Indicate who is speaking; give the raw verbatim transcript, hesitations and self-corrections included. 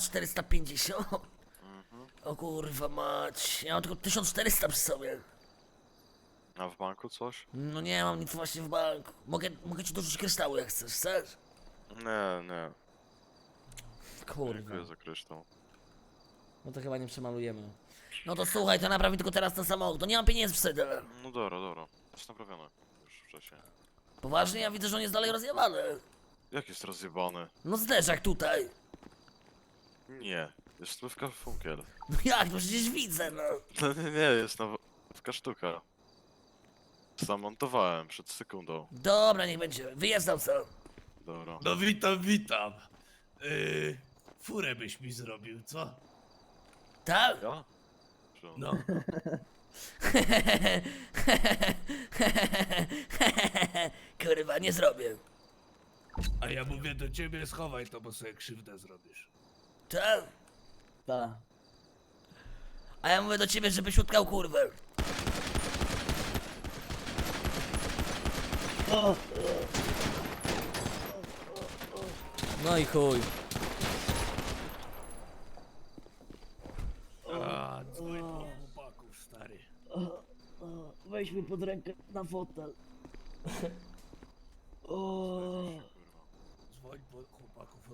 Speaker 1: czterysta pięćdziesiąt.
Speaker 2: Mhm.
Speaker 1: O kurwa mać, ja mam tylko tysiąc czterysta przy sobie.
Speaker 2: A w banku coś?
Speaker 1: No nie mam nic właśnie w banku. Mogę, mogę ci dorzucić kryształu jak chcesz, chcesz?
Speaker 2: Nie, nie.
Speaker 1: Kurwa.
Speaker 2: Dziękuję za kryształ.
Speaker 1: No to chyba nie przemalujemy. No to słuchaj, to naprawi tylko teraz ten samochód. To nie mam pieniędzy wtedy.
Speaker 2: No dobra, dobra. Jest naprawione. Już wcześniej.
Speaker 1: Poważnie, ja widzę, że on jest dalej rozjebany.
Speaker 2: Jak jest rozjebany?
Speaker 1: No zderzak tutaj.
Speaker 2: Nie. Jest stówka w funkiel.
Speaker 1: No jak, no przecież widzę, no.
Speaker 2: No nie, nie, jest nowka sztuka. Zamontowałem przed sekundą.
Speaker 1: Dobra, niech będzie. Wyjeżdżam co?
Speaker 2: Dobra.
Speaker 3: No witam, witam. Yy, furę byś mi zrobił, co?
Speaker 1: Tak?
Speaker 2: Ja? Czy on?
Speaker 3: No.
Speaker 1: Kurwa, nie zrobię.
Speaker 3: A ja mówię do ciebie, schowaj to, bo sobie krzywdę zrobisz.
Speaker 1: Tak?
Speaker 4: Tak.
Speaker 1: A ja mówię do ciebie, żebyś utkał kurwę. No i chuj.
Speaker 3: A, dzwoń po chłopaków, stary.
Speaker 4: Weź mnie pod rękę na fotel. O.
Speaker 3: Dzwoń po chłopaków